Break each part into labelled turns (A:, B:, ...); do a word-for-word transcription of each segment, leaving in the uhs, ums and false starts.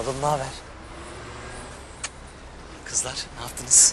A: oğlum, ne haber? Kızlar, ne yaptınız?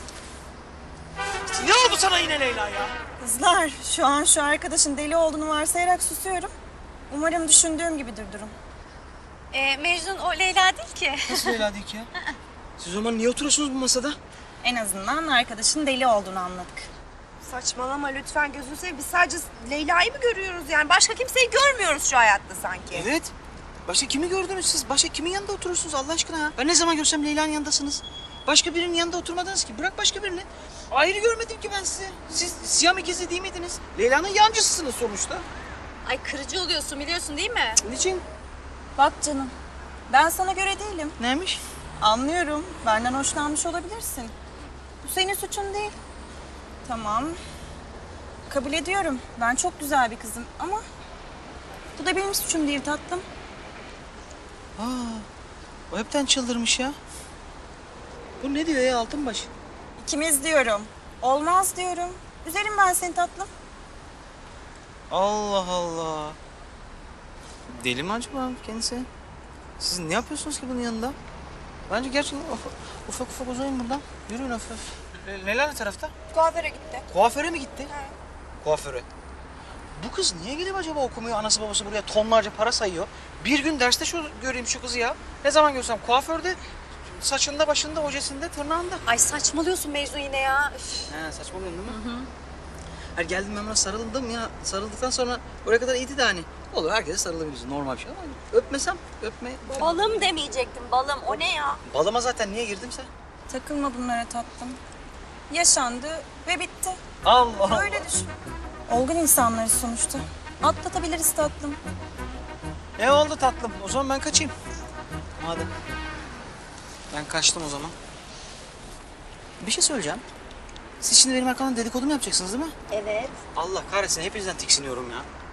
B: Ne oldu sana yine Leyla ya?
C: Kızlar, şu an şu arkadaşın deli olduğunu varsayarak susuyorum. Umarım düşündüğüm gibidir durum.
D: Ee, Mecnun o Leyla değil ki.
B: Nasıl Leyla değil ki ya? Siz o zaman niye oturuyorsunuz bu masada?
C: En azından arkadaşın deli olduğunu anladık.
E: Saçmalama lütfen gözünü seveyim. Biz sadece Leyla'yı mı görüyoruz yani? Başka kimseyi görmüyoruz şu hayatta sanki.
B: Evet. Başka kimi gördünüz siz? Başka kimin yanında oturursunuz Allah aşkına ya? Ben ne zaman görsem Leyla'nın yanındasınız. Başka birinin yanında oturmadınız ki. Bırak başka birini. Ayrı görmedim ki ben sizi. Siz Siyam ikizi değil miydiniz? Leyla'nın yancısısınız sonuçta.
D: Ay kırıcı oluyorsun biliyorsun değil mi?
B: Niçin?
C: Bak canım, ben sana göre değilim.
B: Neymiş?
C: Anlıyorum, benden hoşlanmış olabilirsin. Bu senin suçun değil. Tamam, kabul ediyorum. Ben çok güzel bir kızım ama... bu da benim suçum değil tatlım.
B: Aa, o hepten çıldırmış ya. Bu ne diyor ya Altınbaş?
C: İkimiz diyorum. Olmaz diyorum. Üzerim ben seni tatlım.
B: Allah Allah. Deli mi acaba kendisi? Siz ne yapıyorsunuz ki bunun yanında? Bence gerçekten ufak ufak, ufak uzayın buradan. Yürüyün hafif hafif. Le- Leyla ne tarafta?
E: Kuaföre gitti.
B: Kuaföre mi gitti? Kuaföre. Bu kız niye gidip acaba okumuyor? Anası babası buraya tonlarca para sayıyor. Bir gün derste şu göreyim şu kızı ya. Ne zaman görsem kuaförde, saçında, başında, ojesinde, tırnağında.
D: Ay saçmalıyorsun Mecnun yine ya. Üf.
B: He saçmalıyorsun değil mi? Hı hı. Her geldim ben buna sarıldım ya. Sarıldıktan sonra oraya kadar iyiydi de hani. Olur herkese sarılabiliriz. Normal bir şey ama öpmesem öpme.
D: Balım demeyecektim balım o ne ya?
B: Balıma zaten niye girdimse?
C: Takılma bunlara tatlım. Yaşandı ve bitti.
B: Allah
C: Öyle düşün. Olgun insanlarız sonuçta. Atlatabiliriz tatlım.
B: Ne oldu tatlım? O zaman ben kaçayım. Madem. Ben kaçtım o zaman. Bir şey söyleyeceğim. Siz şimdi benim arkamdan dedikodu mu yapacaksınız değil mi?
D: Evet.
B: Allah kahretsin hepinizden tiksiniyorum ya.